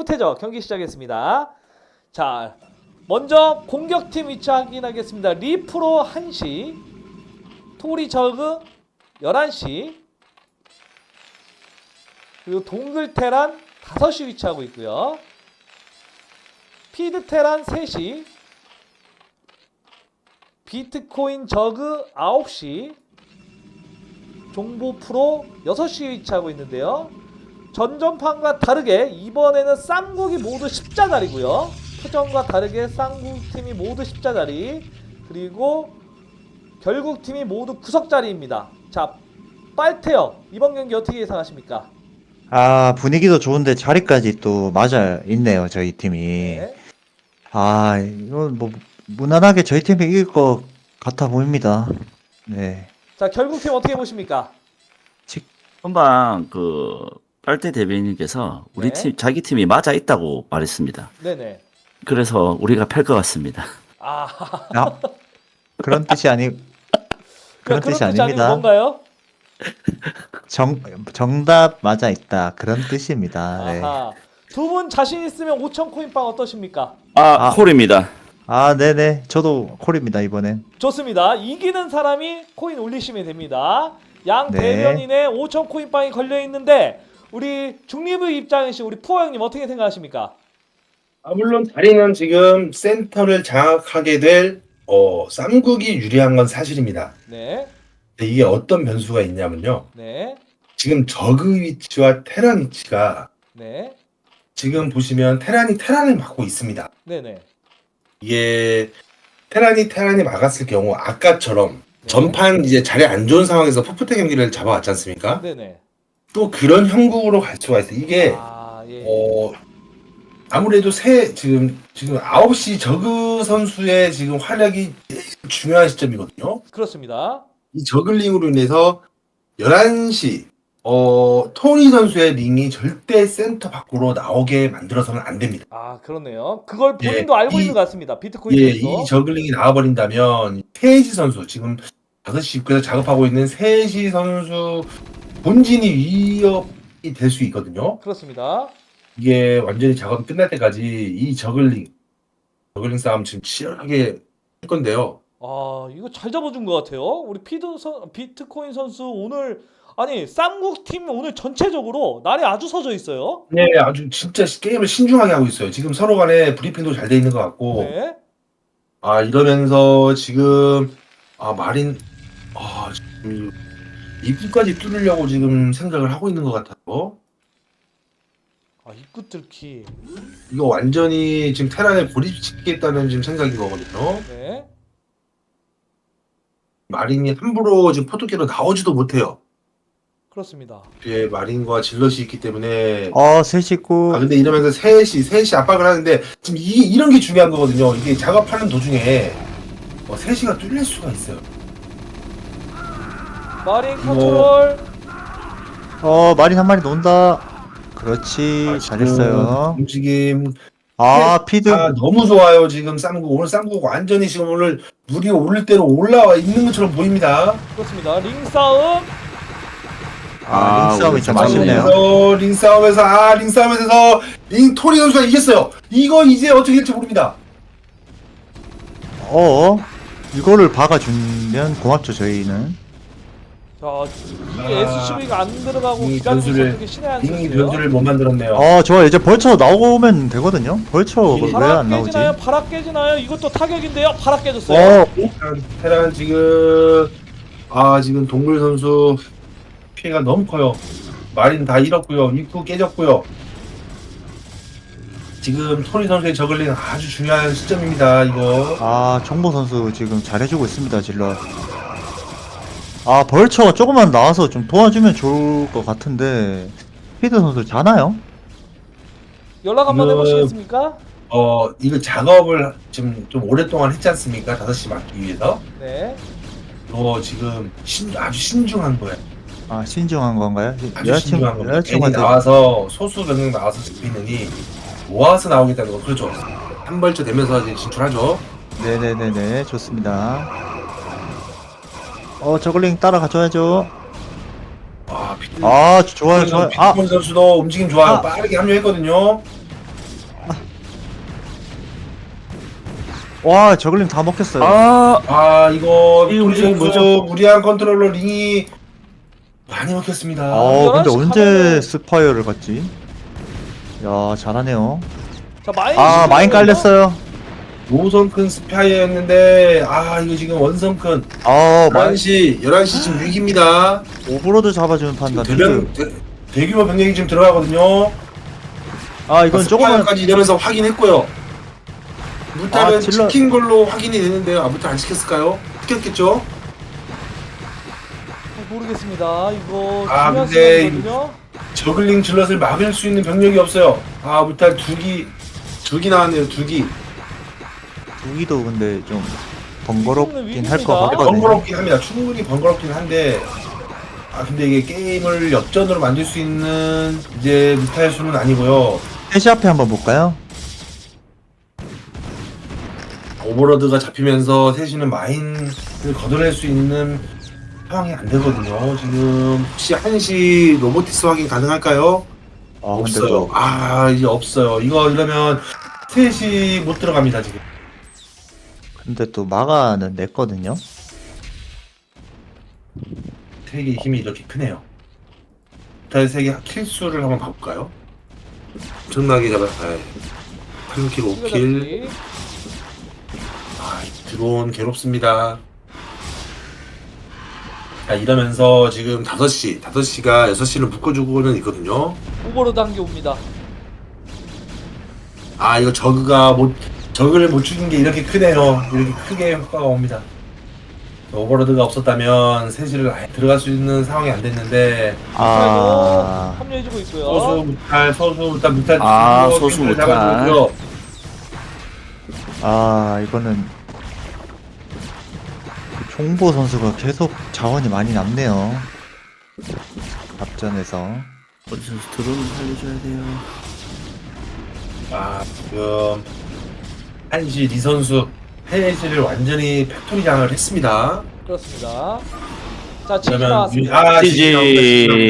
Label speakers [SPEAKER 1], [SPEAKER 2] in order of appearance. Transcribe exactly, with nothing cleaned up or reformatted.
[SPEAKER 1] 태적 경기 시작했습니다. 자, 먼저 공격팀 위치 확인하겠습니다. 리프로 한 시, 토리 저그 열한 시, 그리고 동글 테란 다섯 시 위치하고 있고요. 피드 테란 세 시, 비트코인 저그 아홉 시, 종보 프로 여섯 시 위치하고 있는데요. 전전판과 다르게 이번에는 쌍국이 모두 십자 자리고요. 표정과 다르게 쌍국팀이 모두 십자 자리, 그리고 결국팀이 모두 구석 자리입니다. 자, 빨태요, 이번 경기 어떻게 예상하십니까?
[SPEAKER 2] 아, 분위기도 좋은데 자리까지 또 맞아 있네요, 저희 팀이.
[SPEAKER 1] 네.
[SPEAKER 2] 아, 이건 뭐 무난하게 저희 팀이 이길 것 같아 보입니다. 네.
[SPEAKER 1] 자, 결국팀 어떻게 보십니까?
[SPEAKER 3] 한방 그 빨대 대변인께서 우리
[SPEAKER 1] 네.
[SPEAKER 3] 팀 자기 팀이 맞아 있다고 말했습니다.
[SPEAKER 1] 네네.
[SPEAKER 3] 그래서 우리가 팔 것 같습니다.
[SPEAKER 1] 아,
[SPEAKER 2] 아, 그런 뜻이 아니, 그런 뜻이
[SPEAKER 1] 아니고
[SPEAKER 2] 아닙니다.
[SPEAKER 1] 뭔가요?
[SPEAKER 2] 정, 정답 맞아 있다. 그런 뜻입니다. 네.
[SPEAKER 1] 아하. 두 분 자신 있으면 오천 코인빵 어떠십니까?
[SPEAKER 3] 아,
[SPEAKER 2] 아.
[SPEAKER 3] 콜입니다.
[SPEAKER 2] 아, 네네. 저도 콜입니다, 이번엔.
[SPEAKER 1] 좋습니다. 이기는 사람이 코인 올리시면 됩니다. 양
[SPEAKER 2] 네.
[SPEAKER 1] 대변인의 오천 코인빵이 걸려 있는데 우리 중립의 입장이신 우리 푸어 형님 어떻게 생각하십니까?
[SPEAKER 4] 아, 물론 다리는 지금 센터를 장악하게 될 어, 쌈국이 유리한 건 사실입니다.
[SPEAKER 1] 네,
[SPEAKER 4] 근데 이게 어떤 변수가 있냐면요.
[SPEAKER 1] 네,
[SPEAKER 4] 지금 저그 위치와 테란 위치가
[SPEAKER 1] 네,
[SPEAKER 4] 지금 보시면 테란이 테란을 막고 있습니다.
[SPEAKER 1] 네, 네.
[SPEAKER 4] 이게 테란이 테란이 막았을 경우 아까처럼
[SPEAKER 1] 네.
[SPEAKER 4] 전판 이제 자리 안 좋은 상황에서 푸푸테 경기를 잡아왔지 않습니까?
[SPEAKER 1] 네, 네.
[SPEAKER 4] 또 그런 형국으로 갈 수가 있어요. 이게
[SPEAKER 1] 아, 예.
[SPEAKER 4] 어 아무래도 새 지금 지금 아홉 시 저그 선수의 지금 활약이 제일 중요한 시점이거든요.
[SPEAKER 1] 그렇습니다.
[SPEAKER 4] 이 저글링으로 인해서 열한 시 어 토니 선수의 링이 절대 센터 밖으로 나오게 만들어서는 안 됩니다.
[SPEAKER 1] 아, 그렇네요. 그걸
[SPEAKER 4] 예,
[SPEAKER 1] 본인도 알고
[SPEAKER 4] 이-
[SPEAKER 1] 있는 것 같습니다. 비트코인
[SPEAKER 4] 예,
[SPEAKER 1] 선수.
[SPEAKER 4] 이 저글링이 나와버린다면 세이지 선수 지금 다섯 시 입구에서 작업하고 있는 세이지 선수 본진이 위협이 될 수 있거든요.
[SPEAKER 1] 그렇습니다.
[SPEAKER 4] 이게 완전히 작업이 끝날 때까지 이 저글링 저글링 싸움 지금 치열하게 할 건데요.
[SPEAKER 1] 아, 이거 잘 잡아준 것 같아요. 우리 피드 선, 비트코인 선수 오늘 아니 쌈국 팀 오늘 전체적으로 날이 아주 서져 있어요.
[SPEAKER 4] 네, 아주 진짜 게임을 신중하게 하고 있어요. 지금 서로 간에 브리핑도 잘 돼 있는 것 같고,
[SPEAKER 1] 네,
[SPEAKER 4] 아 이러면서 지금 아 마린 아 지금 입구까지 뚫으려고 지금 생각을 하고 있는 것 같아요.
[SPEAKER 1] 아, 입구 뚫기.
[SPEAKER 4] 이거 완전히 지금 테란에 고립시키겠다는 지금 생각인 거거든요.
[SPEAKER 1] 네,
[SPEAKER 4] 마린이 함부로 지금 포토캐로 나오지도 못해요.
[SPEAKER 1] 그렇습니다.
[SPEAKER 4] 뒤에 마린과 질럿이 있기 때문에.
[SPEAKER 2] 어, 셋십구.
[SPEAKER 4] 아 근데 이러면서 셋이 셋이 압박을 하는데 지금 이 이런 게 중요한 거거든요. 이게 작업하는 도중에 어, 셋이가 뚫릴 수가 있어요.
[SPEAKER 1] 마린 컨트롤.
[SPEAKER 2] 어, 마린 한 마리 논다. 그렇지.
[SPEAKER 4] 아, 지금
[SPEAKER 2] 잘했어요.
[SPEAKER 4] 움직임
[SPEAKER 2] 아, 피드.
[SPEAKER 4] 아 너무 좋아요. 지금 쌍국 오늘 쌍국 완전히 지금 오늘 물이 오를 대로 올라와 있는 것처럼 보입니다.
[SPEAKER 1] 그렇습니다. 링 싸움.
[SPEAKER 2] 아, 링 싸움이 좀
[SPEAKER 3] 우리
[SPEAKER 2] 아쉽네요.
[SPEAKER 4] 그래서 링 싸움에서 아 링 싸움에서 링 토리 선수가 이겼어요. 이거 이제 어떻게 될지 모릅니다.
[SPEAKER 2] 어, 이거를 박아주면 고맙죠, 저희는.
[SPEAKER 1] 자, 이
[SPEAKER 4] 아,
[SPEAKER 1] 에스씨브이가 안 들어가고
[SPEAKER 4] 이
[SPEAKER 1] 기다리고
[SPEAKER 4] 변수를-
[SPEAKER 1] 있었던 게 신의 한
[SPEAKER 4] 링이
[SPEAKER 1] 수였어요.
[SPEAKER 4] 변수를 못 만들었네요.
[SPEAKER 2] 어, 좋아. 이제 벌처 나오면 되거든요. 벌처
[SPEAKER 4] 이-
[SPEAKER 2] 왜
[SPEAKER 1] 바락
[SPEAKER 2] 안 나오지?
[SPEAKER 1] 깨지나요? 바락 깨지나요? 이것도 타격인데요. 바락 깨졌어요.
[SPEAKER 2] 어,
[SPEAKER 4] 테란, 테란 지금 아 지금 동물 선수 피해가 너무 커요. 마린 다 잃었고요. 입구 깨졌고요. 지금 토니 선수의 저글링 아주 중요한 시점입니다. 이거
[SPEAKER 2] 아, 정보 선수 지금 잘해주고 있습니다, 질러. 아, 벌처가 조금만 나와서 좀 도와주면 좋을 것 같은데, 피드 선수 자나요?
[SPEAKER 1] 연락 한번
[SPEAKER 4] 지금-
[SPEAKER 1] 해보시겠습니까?
[SPEAKER 4] 어 이거 작업을 지금 좀 오랫동안 했지 않습니까? 다섯 시 맞기 위해서.
[SPEAKER 1] 네.
[SPEAKER 4] 이거 지금 신, 아주 신중한 거예요.
[SPEAKER 2] 아, 신중한 건가요?
[SPEAKER 4] 아주
[SPEAKER 2] 여자친구,
[SPEAKER 4] 신중한 겁니다. 괜히
[SPEAKER 2] 여자친구한테.
[SPEAKER 4] 나와서 소수 병력 나와서 잡히느니 모아서 나오겠다는 거 그렇죠. 한 벌쳐 되면서 이제 진출하죠.
[SPEAKER 2] 네네네네, 좋습니다. 어, 저글링 따라가줘야죠.
[SPEAKER 4] 아, 피트,
[SPEAKER 2] 아, 좋아요, 좋아요. 아,
[SPEAKER 4] 피트콘 선수도 움직임 좋아요.
[SPEAKER 2] 아.
[SPEAKER 4] 빠르게 합류했거든요.
[SPEAKER 2] 와 저글링 다 먹혔어요.
[SPEAKER 3] 아,
[SPEAKER 4] 아 이거
[SPEAKER 3] 이
[SPEAKER 4] 우리
[SPEAKER 3] 움직임
[SPEAKER 4] 선수
[SPEAKER 3] 뭐죠?
[SPEAKER 4] 무리한 컨트롤러 링이 많이 먹혔습니다.
[SPEAKER 2] 어 근데
[SPEAKER 1] 열한 시
[SPEAKER 2] 언제
[SPEAKER 1] 가면은-
[SPEAKER 2] 스파이어를 갔지? 야 잘하네요.
[SPEAKER 1] 자 마인
[SPEAKER 2] 아 마인 깔렸어요.
[SPEAKER 4] 노선큰 스파이어였는데 아 이거 지금 원선큰
[SPEAKER 2] 아 마인
[SPEAKER 4] 열한 시 열한 시 지금 위기입니다.
[SPEAKER 2] 오버로드 잡아주는 판단.
[SPEAKER 4] 대변 대, 대규모 병력이 지금 들어가거든요.
[SPEAKER 2] 아 이건 조금만
[SPEAKER 4] 스파이어까지 이러면서 확인했고요. 무탈은
[SPEAKER 2] 아, 질러-
[SPEAKER 4] 시킨 걸로 확인이 되는데요. 아 무탈 안 시켰을까요? 시켰겠죠?
[SPEAKER 1] 어, 모르겠습니다. 이거
[SPEAKER 4] 아,
[SPEAKER 1] 중요한
[SPEAKER 4] 근데
[SPEAKER 1] 시간이거든요.
[SPEAKER 4] 저글링 질럿을 막을 수 있는 병력이 없어요. 아 무탈 두기 두기 나왔네요. 두기.
[SPEAKER 2] 두기도 근데 좀 번거롭긴 할 것
[SPEAKER 1] 위기입니다.
[SPEAKER 2] 같거든요.
[SPEAKER 4] 번거롭긴 합니다. 충분히 번거롭긴 한데 아 근데 이게 게임을 역전으로 만들 수 있는 이제 무탈 수는 아니고요.
[SPEAKER 2] 셋이 앞에 한번 볼까요?
[SPEAKER 4] 오버로드가 잡히면서 셋이는 마인을 걷어낼 수 있는 상황이 안 되거든요. 지금 혹시 한시 로보티스 확인 가능할까요?
[SPEAKER 2] 아 근데
[SPEAKER 4] 없어요.
[SPEAKER 2] 또
[SPEAKER 4] 아 이제 없어요. 이거 이러면 셋이 못 들어갑니다 지금.
[SPEAKER 2] 근데 또 마가는 냈거든요.
[SPEAKER 4] 세계의 힘이 이렇게 크네요. 다시 세계 킬수를 한번 봐볼까요? 엄청나게 잡아. 삼 킬, 오 킬.
[SPEAKER 1] 킬.
[SPEAKER 4] 아, 드론 괴롭습니다. 자, 이러면서 지금 다섯 시, 다섯 시가 여섯 시를 묶어주고는 있거든요.
[SPEAKER 1] 오버로드 한 개 옵니다.
[SPEAKER 4] 아, 이거 저그가 못, 저그를 못 죽인 게 이렇게 크네요. 이렇게 크게 효과가 옵니다. 오버로드가 없었다면 세시를 아예 들어갈 수 있는 상황이 안 됐는데,
[SPEAKER 2] 아
[SPEAKER 1] 합류해주고 있고요.
[SPEAKER 4] 소수, 무탈, 소수, 무탈, 무탈,
[SPEAKER 3] 아,
[SPEAKER 4] 두고
[SPEAKER 3] 소수,
[SPEAKER 4] 탱크를
[SPEAKER 3] 무탈.
[SPEAKER 4] 잡아주고요.
[SPEAKER 2] 아 이거는 종보 선수가 계속 자원이 많이 남네요. 앞전에서
[SPEAKER 3] 어디서 드론을 살려줘야 돼요.
[SPEAKER 4] 아, 지금 한시 리 선수 해시를 완전히 팩토리 장을 했습니다.
[SPEAKER 1] 그렇습니다. 자, 지금
[SPEAKER 4] 그러면
[SPEAKER 1] 나왔습니다.
[SPEAKER 4] 아,
[SPEAKER 3] 지지.
[SPEAKER 4] 지지 나옵니다. 지지 나옵니다.